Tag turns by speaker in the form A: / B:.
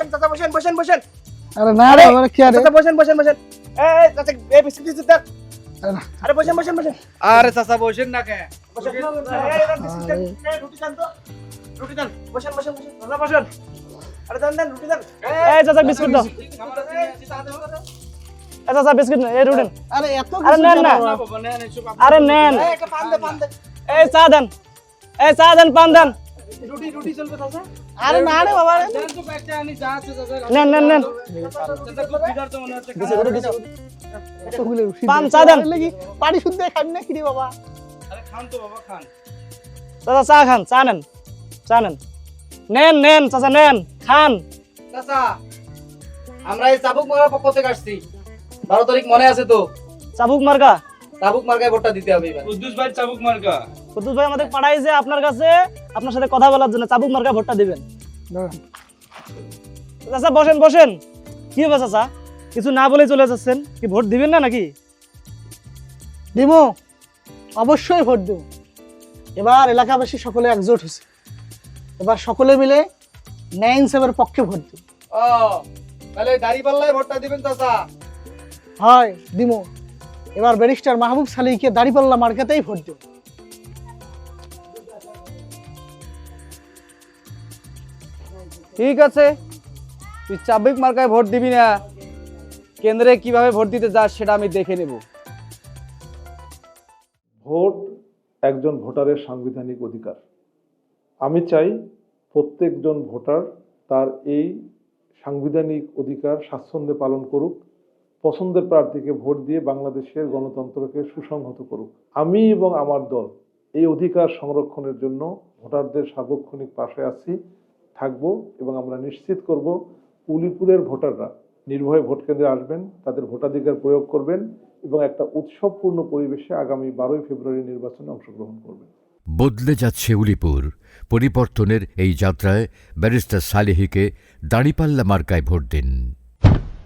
A: চাচা বসেন বসেন বসেন।
B: আরে না রে আমার কি আরে
A: চাচা বসেন বসেন বসেন। এই চাচা এই বিস্কুট দিতে দেন।
B: আরে না।
A: আরে বসেন বসেন বসেন।
C: আরে চাচা বসেন না কে?
A: বসেন। এই বিস্কুট দেন। এই রুটি দেন তো। রুটি দেন। বসেন বসেন বসেন। চাচা বসেন। আরে দেন দেন রুটি দেন।
D: এই চাচা বিস্কুট দাও। এই চাচা বিস্কুট এই রুটি দেন।
B: আরে এত
D: আরে নেন না।
C: বাবা নেন এসব
D: আরে নেন।
A: এই একটা পান দে পান দে।
D: এই চা দেন। এই চা দেন পান দেন।
A: রুটি রুটি চলবে চাচা।
B: আরে না রে বাবা
C: দেন তো একটা আনি যা আছে চাচা।
D: নেন নেন নেন।
C: চাচা খুব বিদার তো মনে হচ্ছে।
B: এতগুলো রুটি
D: পান চা দেন।
B: লাগি পানি শুদ্ধ খাবি না কি রে বাবা
C: আরে খান তো বাবা খান।
D: চাচা চা খান চা নেন। চা নেন। নেন নেন চাচা নেন খান।
C: চাচা আমরা এই চাবুক মারার পক্ষ থেকে আসছি। 12 তারিখ মনে আছে তো?
D: চাবুক মার্কা।
C: চাবুক মার্কায় ভোটটা দিতে হবে এবার। কুদ্দুস ভাই চাবুক মার্কা।
D: কুদ্দুস ভাই আমাদের পাঠাইছে আপনার কাছে আপনার সাথে কথা বলার জন্য চাবুক মার্কা ভোটটা দিবেন। চাচা বসেন বসেন। কি হবে চাচা? কিছু না বলে চলে যাচ্ছেন, কি ভোট দিবেন না নাকি?
B: দিমু অবশ্যই ভোট দেব। এবার এলাকাবাসী সকলে একজোট হয়েছে, এবার সকলে মিলে ন্যায় ইনসাফের পক্ষে ভোট দেব।
C: ও তাহলে দাড়িপাল্লায় ভোটটা দিবেন চাচা।
B: হয় দিমু। এবার ব্যারিস্টার মাহবুব সালিকে দাড়িপাল্লা মার্কাতেই ভোট দেব।
C: ঠিক আছে, তুই চাবুক মার্কায় ভোট দিবি না, কেন্দ্রে কিভাবে ভোট দিতে যাস সেটা আমি দেখে নেব।
E: ভোট একজন ভোটারের সাংবিধানিক অধিকার। আমি চাই প্রত্যেকজন ভোটার তার এই সাংবিধানিক অধিকার স্বাচ্ছন্দ্যে পালন করুক, পছন্দের প্রার্থীকে ভোট দিয়ে বাংলাদেশের গণতন্ত্রকে সুসংহত করুক। আমি এবং আমার দল এই অধিকার সংরক্ষণের জন্য ভোটারদের সার্বক্ষণিক পাশে আছি, থাকব এবং আমরা নিশ্চিত করব উলিপুরের ভোটাররা নির্ভয়ে ভোট কেন্দ্রে আসবেন, তাদের ভোটাধিকার প্রয়োগ করবেন এবং একটা উৎসবপূর্ণ পরিবেশে আগামী 12ই ফেব্রুয়ারি নির্বাচনে অংশগ্রহণ করবেন।
F: বদলে যাচ্ছে উলিপুর। পরিবর্তনের এই যাত্রায় ব্যারিস্টার সালেহীকে দাঁড়িপাল্লা মার্কায় ভোট দিন।